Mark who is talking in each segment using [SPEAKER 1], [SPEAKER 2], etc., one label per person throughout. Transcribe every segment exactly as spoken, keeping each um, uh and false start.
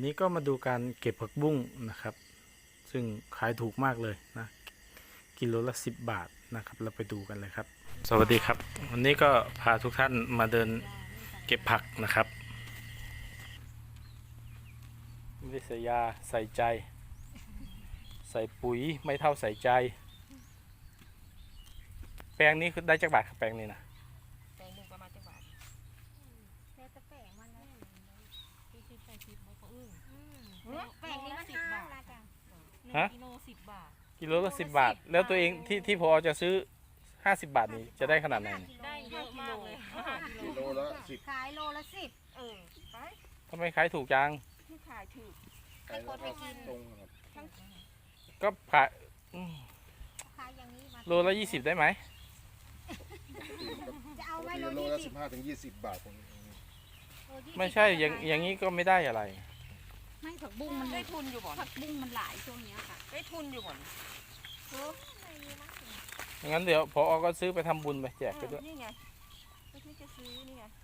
[SPEAKER 1] นี้ก็มาดูการเก็บผักบุ้งนะครับ ซึ่งขายถูกมากเลยนะกิโลละสิบบาทนะครับเราไปดูกันเลยครับสวัสดีครับวันนี้ก็พาทุกท่านมาเดินเก็บผักนะครับไม่ได้ใส่ยาใส่ใจ ใส่ปุ๋ยไม่เท่าใส่ใจ แปลงนี้คือได้จากบาทครับแปลงนี้นะ
[SPEAKER 2] แปลงหนึ่งประมาณจังหวัด
[SPEAKER 3] แล้วจะแปลงมันนะ
[SPEAKER 2] ที่ที่ใส่ทิพย์เขาอึ้ง
[SPEAKER 3] แปลงนี้มันห้าละจ้ะ
[SPEAKER 2] หนึ่งกิโลสิบบาท
[SPEAKER 1] กิโลละสิบบาทแล้วตัวเองที่ที่พอจะซื้อห้าสิบบาทนี้จะได้ขนาดไหน
[SPEAKER 2] ได้เยอะมากเลย
[SPEAKER 4] กิโลละสิบ
[SPEAKER 3] ขายโลละสิบ
[SPEAKER 2] เออไป
[SPEAKER 1] ทำไมขายถูกจัง
[SPEAKER 2] ที่ขายถือ
[SPEAKER 4] ขายราคาตรงครับ
[SPEAKER 2] ทั้ง
[SPEAKER 1] ก็ขายอืม
[SPEAKER 3] ขายอย่างนี้มา
[SPEAKER 1] โลละยี่สิบได้ไหม
[SPEAKER 3] จะเอา
[SPEAKER 4] ปก
[SPEAKER 3] ไว้
[SPEAKER 4] ติ
[SPEAKER 3] โล
[SPEAKER 4] โล
[SPEAKER 3] ยี่
[SPEAKER 4] ละ
[SPEAKER 3] สิ
[SPEAKER 4] สิ
[SPEAKER 3] บบ
[SPEAKER 4] ห้าถึงยี่สิบบาทตรง
[SPEAKER 3] โลยี่สิบ
[SPEAKER 1] ไม่ใช่อย่างอย่างนี้ก็ไม่ได้อะไร
[SPEAKER 3] ไม่ผักบุ้งมัน
[SPEAKER 2] ได้ทุนอยู่บ่อน
[SPEAKER 3] ผักบุ้งมันหลายช่วงนี้ค่ะ
[SPEAKER 2] ได้ทุนอยู่บ่อน
[SPEAKER 1] งั้นเดี๋ยวพอก็ซื้อไปทำบุญไปแจกไปด้วย
[SPEAKER 2] นี่ไงไม่ใช่จะซื้อนี่ไง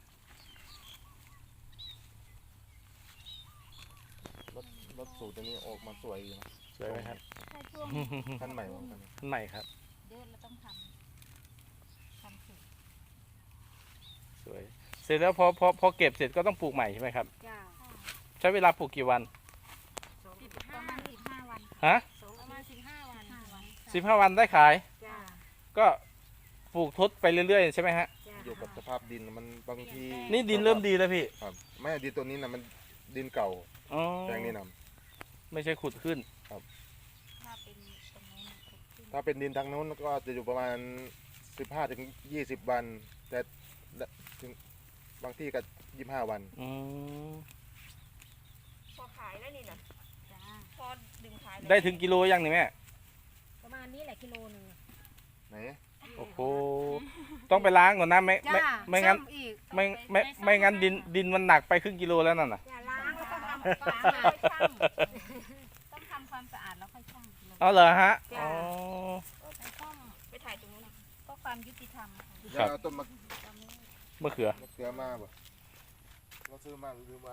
[SPEAKER 4] รถรถสูตรตัวนี้ออกมาสวยดีนะ
[SPEAKER 1] สวยไหมครับ
[SPEAKER 3] ใช่ช่วง
[SPEAKER 4] คันใหม่เหมือนกัน
[SPEAKER 1] ใหม่ครับ
[SPEAKER 3] เดือนเราต้องทำทำสูตร
[SPEAKER 1] สวยเสร็จแล้วพอพอพอเก็บเสร็จก็ต้องปลูกใหม่ใช่ไหมครับ
[SPEAKER 3] จ้า
[SPEAKER 1] ใช้เวลาปลูกกี่วัน
[SPEAKER 2] สิบ
[SPEAKER 3] ป
[SPEAKER 2] ห้า
[SPEAKER 3] ระมาณสิบห้าวัน
[SPEAKER 1] ฮะ
[SPEAKER 2] ประมาณสิบห้าวัน
[SPEAKER 3] ห้าวัน
[SPEAKER 1] สิบห้าวันได้ขาย
[SPEAKER 3] จ้า
[SPEAKER 1] ก็ปลูกทดไปเรื่อยๆใช่ไหมฮะ
[SPEAKER 3] จ้า
[SPEAKER 4] อยู่กับสภาพดินมันบางที
[SPEAKER 1] นี่ดินเริ่มดีแล้วพี่
[SPEAKER 4] ครับไม่ดินตัวนี้นะมันดินเก่า
[SPEAKER 1] อ๋อ
[SPEAKER 4] แปลงนี้นะ
[SPEAKER 1] ไม่ใช่ขุดขึ้น
[SPEAKER 3] ถ้าเป็นตรงนู้นครบขึ้น
[SPEAKER 4] ถ้าเป็นดินทางโน้นก็จะอยู่ประมาณสิบห้าถึงยี่สิบวัน แต่ถึงบางที่ก็ยี่สิบห้าวัน
[SPEAKER 1] อืม
[SPEAKER 2] พอขายแล้วนี่นะ
[SPEAKER 3] จ้า
[SPEAKER 2] พอดึงขาย
[SPEAKER 1] ได้ถึงกิโลยังนี่แม่
[SPEAKER 3] ประมาณนี้แหละกิโลหนึ่ง
[SPEAKER 4] ไหน
[SPEAKER 1] โอ้โหต้องไปล้างก่อนนะไม่ไม่
[SPEAKER 3] จ้า
[SPEAKER 1] ไม่งั้น
[SPEAKER 3] ซ่ออีก
[SPEAKER 1] ไม่ไม่ไม่งั้นดินดินมันหนักไปครึ่งกิโลแล้วนั่นน่ะ
[SPEAKER 3] อย่าล้างแล้วต้องทำความสะอาดต้องทำความสะอาดแล้วค่อยชั่งกิโล
[SPEAKER 1] เอาเหรอฮะอ๋อ
[SPEAKER 3] ไปต้อง
[SPEAKER 2] ไปถ่ายตรงนู้นนะ
[SPEAKER 3] ก็ความยุติธรรมค่ะ
[SPEAKER 4] เดี๋ยวเอาต้นมะ
[SPEAKER 3] ตอนนี้
[SPEAKER 1] มะเขือ
[SPEAKER 4] มะเขือมาบ่เราซื้อมาหรือซื้อมา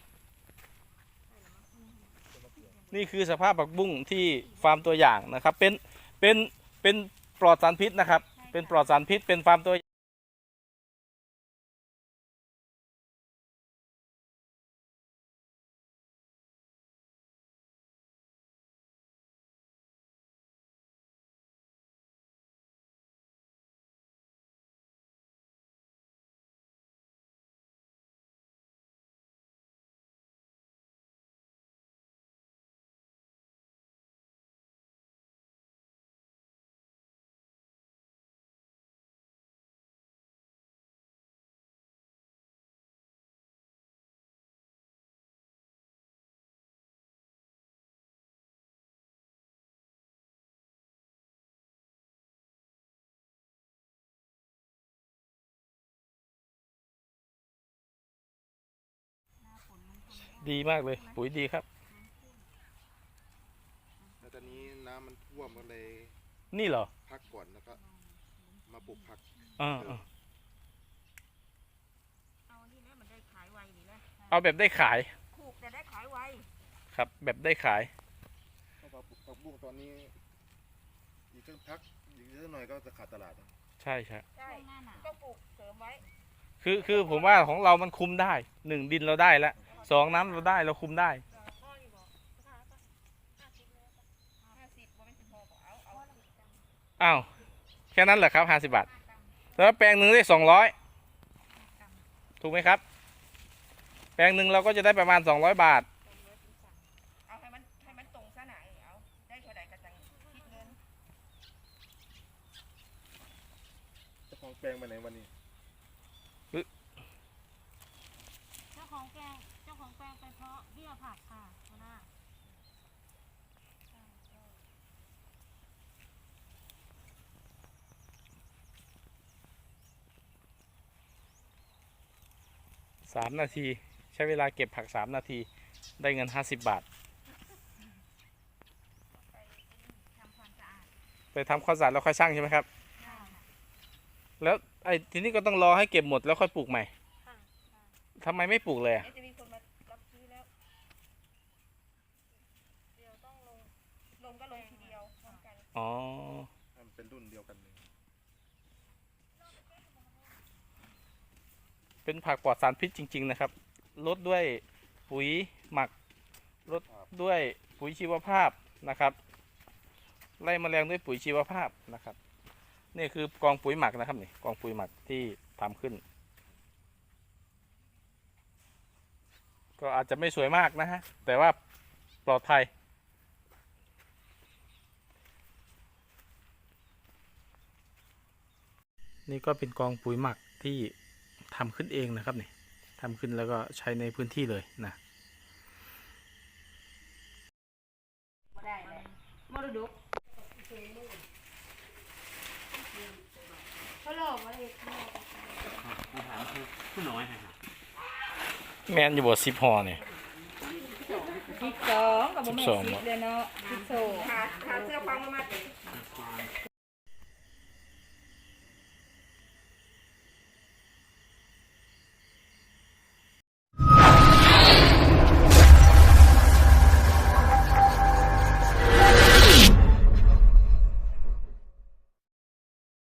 [SPEAKER 1] นี่คือสภาพผักบุ้งที่ฟาร์มตัวอย่างนะครับ เป็น เป็น เป็นปลอดสารพิษนะครับ เป็นปลอดสารพิษ เป็นฟาร์มตัวดีมากเลย ปุ๋ยดีครับ
[SPEAKER 4] แล้วตอนนี้น้ำมันท่วมก็เลย
[SPEAKER 1] นี่เหรอ
[SPEAKER 4] พักก่อนแล้วก็มาปลูกผัก
[SPEAKER 1] อ่าอ่า
[SPEAKER 2] เอานี่นะมันได้ขายไวนี่นะ
[SPEAKER 1] เอาแบบได้ขาย
[SPEAKER 2] ถูกแต่ได้ขายไว
[SPEAKER 1] ครับ แบบได้ขาย
[SPEAKER 4] เพราะว่าผักบุ้งตอนนี้อีกสักพักอีกสักหน่อยก็จะขาดตลาดนะ
[SPEAKER 1] ใช่ใช่
[SPEAKER 2] ใช่
[SPEAKER 3] ช่วงหน้าหนาว
[SPEAKER 2] ก็ปลูกเสริมไว้
[SPEAKER 1] คือ คือผมว่าของเรามันคุมได้ หนึ่งดินเราได้แล้วสองน้ำเราได้ เราคุมได้
[SPEAKER 2] พ่ออยู่บอกห้าสิบเลยห้าสิบว่าไม่ถึงพอบอกเอาเอา
[SPEAKER 1] อ้าว แค่นั้นเหรอครับห้าสิบบาท แล้วแปลงหนึ่งได้สองร้อยถูกไหมครับ แปลงหนึ่งเราก็จะได้ประมาณสองร้อยบาท
[SPEAKER 2] เอาให้มันให้มันตรงซะไหนเอาได้เท่าไหร่ก็จังคิดเงิน
[SPEAKER 4] เจ้าของแปลงไปไหนวันนี้
[SPEAKER 3] เจ้าของแปลงเจ้าของแปลงไปเพาะเบี้ยผักค่ะหัวหน้า
[SPEAKER 1] สามนาที ใช้เวลาเก็บผักสามนาที ได้เงินห้าสิบบาท
[SPEAKER 3] ทำความสะอาด
[SPEAKER 1] ไปทำข้าวสารแล้วค่อยช่างใช่ไหมครับ
[SPEAKER 3] ค่ะ
[SPEAKER 1] แล้วไอ้ทีนี้ก็ต้องรอให้เก็บหมดแล้วค่อยปลูกใหม่ทำไมไม่ปลูกเลยอะ
[SPEAKER 2] เดี๋ยวจะมีคนมารับซื้อแล้ว
[SPEAKER 1] อ๋อ
[SPEAKER 4] มันเป็นรุ่นเดียวกันเลย
[SPEAKER 1] เป็นผักปลอดสารพิษจริง ๆ นะครับลดด้วยปุ๋ยหมักลดด้วยปุ๋ยชีวภาพนะครับไล่แมลงด้วยปุ๋ยชีวภาพนะครับนี่คือกองปุ๋ยหมักนะครับนี่กองปุ๋ยหมักที่ทำขึ้น ก็อาจจะไม่สวยมากนะฮะแต่ว่าปลอดภัยนี่ก็เป็นกองปุ๋ยหมักที่ทำขึ้นเองนะครับนี่ทำขึ้นแล้วก็ใช้ในพื้นที่เลยนะ
[SPEAKER 3] บ่ได้เลยมรดกเขาหลอกมาเลย
[SPEAKER 1] แมนอยู่บ่สิบห่อเนี่ย
[SPEAKER 3] สิบสองกับบ่แม่น
[SPEAKER 1] สิบสอง
[SPEAKER 3] สิบเลยเนาะสิบสอง
[SPEAKER 2] ขาขาเสื้อฟังมา